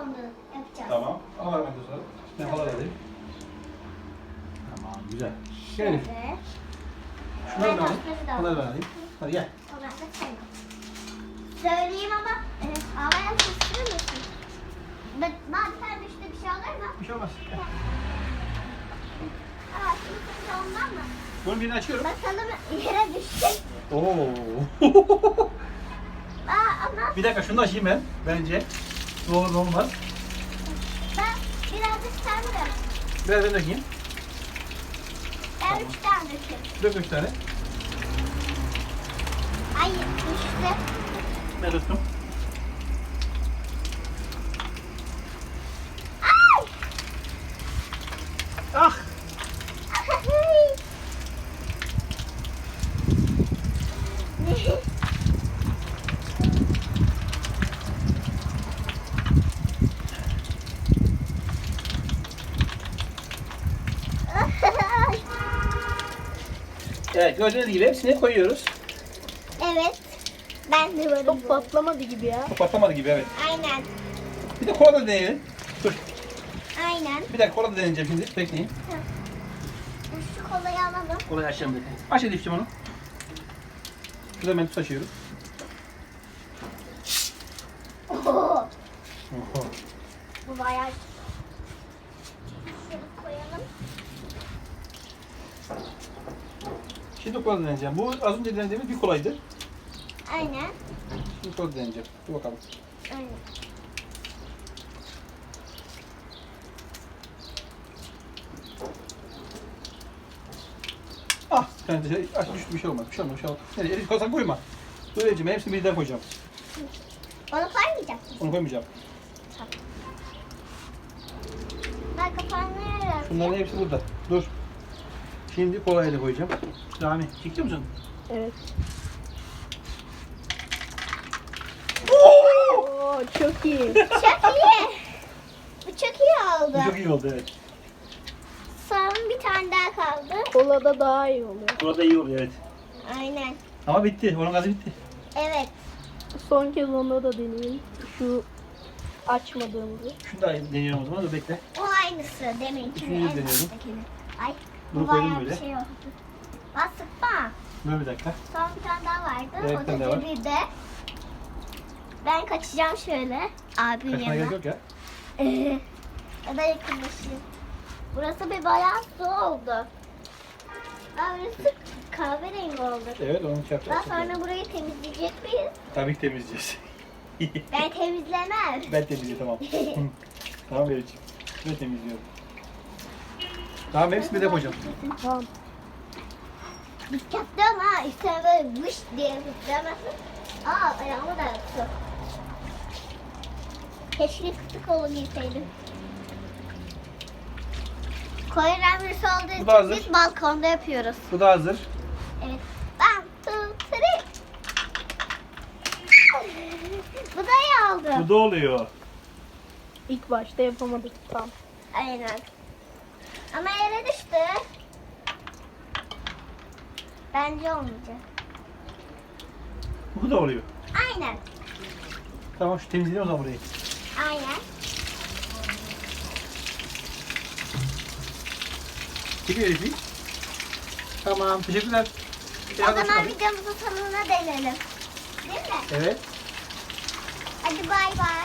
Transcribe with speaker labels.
Speaker 1: sonra yapacağız.
Speaker 2: Tamam. Al hemen sonra. Ben hala alayım. Tamam güzel. Gel Elif.
Speaker 1: Şöyle.
Speaker 2: Şunları da alayım.
Speaker 1: Bunları da
Speaker 2: Bunları da alayım. Hadi gel.
Speaker 1: Onlar da senin. Söyleyeyim ama havaya sıçrır mısın? Bazen düştü bir şey olur mu?
Speaker 2: Bir şey olmaz. Gel.
Speaker 1: Aa, şimdi ondan mı?
Speaker 2: Bunun birini açıyorum.
Speaker 1: Bakalım yere düşecek.
Speaker 2: Oo.
Speaker 1: Ama
Speaker 2: Bir dakika şunu da açayım ben. Bence. Ne olur ne olmaz.
Speaker 1: ben birazcık sen de.
Speaker 2: Biraz ben dökeyim.
Speaker 1: Ben 3 tane dökeyim.
Speaker 2: Dök 3 tane.
Speaker 1: Hayır düştü.
Speaker 2: Ben tuttum.
Speaker 1: Ay!
Speaker 2: Ah! Evet gördüğünüz gibi hepsini koyuyoruz.
Speaker 1: Evet. Ben de varım.
Speaker 3: Çok patlamadı gibi ya.
Speaker 2: Çok patlamadı gibi evet.
Speaker 1: Aynen.
Speaker 2: Bir de kola da deneyelim. Dur.
Speaker 1: Aynen.
Speaker 2: Bir dakika kola da deneyeceğim şimdi. Bekleyin.
Speaker 1: Şu kolayı alalım.
Speaker 2: Kolayı açacağım bekleyin. Aç Elif'ciğim onu. Şurada ben tuz açıyorum.
Speaker 1: Oho.
Speaker 2: Oho.
Speaker 1: Bu bayağı. Şöyle koyalım.
Speaker 2: Şimdi kola deneyeceğim. Bu az önce denediğimiz bir kolaydı.
Speaker 1: Aynen.
Speaker 2: Şimdi kola deneyeceğim. Dur bakalım.
Speaker 1: Aynen.
Speaker 2: Ah! Bir tane dışarı aç düştü bir şey olmaz. Bir şey olmaz. Bir şey olmaz. Nereye? Elif koysan koyma. Dur Elif'ciğim ben hepsini birden koyacağım.
Speaker 1: Onu koymayacak mısın?
Speaker 2: Onu koymayacağım.
Speaker 1: Ben kapağını yararım.
Speaker 2: Bunların hepsi burada. Dur. Şimdi kolayı da koyacağım. Rami çekiyor musun?
Speaker 3: Evet.
Speaker 2: Oo!
Speaker 3: Oo çok iyi.
Speaker 1: Çok iyi. Bu çok iyi oldu.
Speaker 2: Bu çok iyi oldu evet.
Speaker 1: Son bir tane daha kaldı.
Speaker 3: Kolada daha iyi oluyor.
Speaker 2: Burada iyi oluyor evet.
Speaker 1: Aynen.
Speaker 2: Ama bitti. Onun gazı bitti.
Speaker 1: Evet.
Speaker 3: Son kez onda da deneyeyim. Şu açmadığımızı.
Speaker 2: Şunu da deniyorum o zaman. Dur bekle.
Speaker 1: O aynısı deminkinin
Speaker 2: Üçüncüyü
Speaker 1: en
Speaker 2: deniyorum.
Speaker 1: baştakini. Ay.
Speaker 2: Bunu
Speaker 1: Bu
Speaker 2: koydum
Speaker 1: bayağı
Speaker 2: böyle.
Speaker 1: bir şey oldu. Bak sıkma.
Speaker 2: Dur bir dakika.
Speaker 1: Son bir tane daha vardı.
Speaker 2: Evet,
Speaker 1: O
Speaker 2: bir tane
Speaker 1: da
Speaker 2: daha var.
Speaker 1: cebirde. Ben kaçacağım şöyle. Abimin
Speaker 2: Kaçmaya gerek
Speaker 1: yanına.
Speaker 2: yok ya.
Speaker 1: Ya da yakınlaşayım. Burası bir bayağı su oldu. Aa, burası kahverengi oldu.
Speaker 2: Evet onu şey
Speaker 1: Daha
Speaker 2: yapacağız.
Speaker 1: sonra burayı temizleyecek miyiz?
Speaker 2: Tabii ki temizleyeceğiz.
Speaker 1: Ben temizlemem.
Speaker 2: Ben temizleyeceğim tamam. Tamam Elif'ciğim. Ben temizliyorum. Tamam hepsini de koyacağım.
Speaker 3: Tamam.
Speaker 1: Dikkatli ol ha. Üstüne böyle vış diye fırlamasın. Aa ayağımı da yaktı. Keşke kıtık kolu giyseydim. Koyu rengisi olduğu
Speaker 2: Bu da
Speaker 1: için
Speaker 2: hazır.
Speaker 1: biz balkonda yapıyoruz.
Speaker 2: Bu da hazır.
Speaker 1: Evet. One, two, three. Bu da iyi oldu.
Speaker 2: Bu da oluyor.
Speaker 3: İlk başta yapamadık tam.
Speaker 1: Aynen. Ama yere düştü. Bence olmayacak.
Speaker 2: Bu da oluyor.
Speaker 1: Aynen.
Speaker 2: Tamam şu temizleyelim o zaman burayı.
Speaker 1: Aynen.
Speaker 2: Çekiyor Elif'i. Tamam teşekkürler.
Speaker 1: O zaman videomuzun sonuna değinelim. Değil mi?
Speaker 2: Evet.
Speaker 1: Hadi bay bay.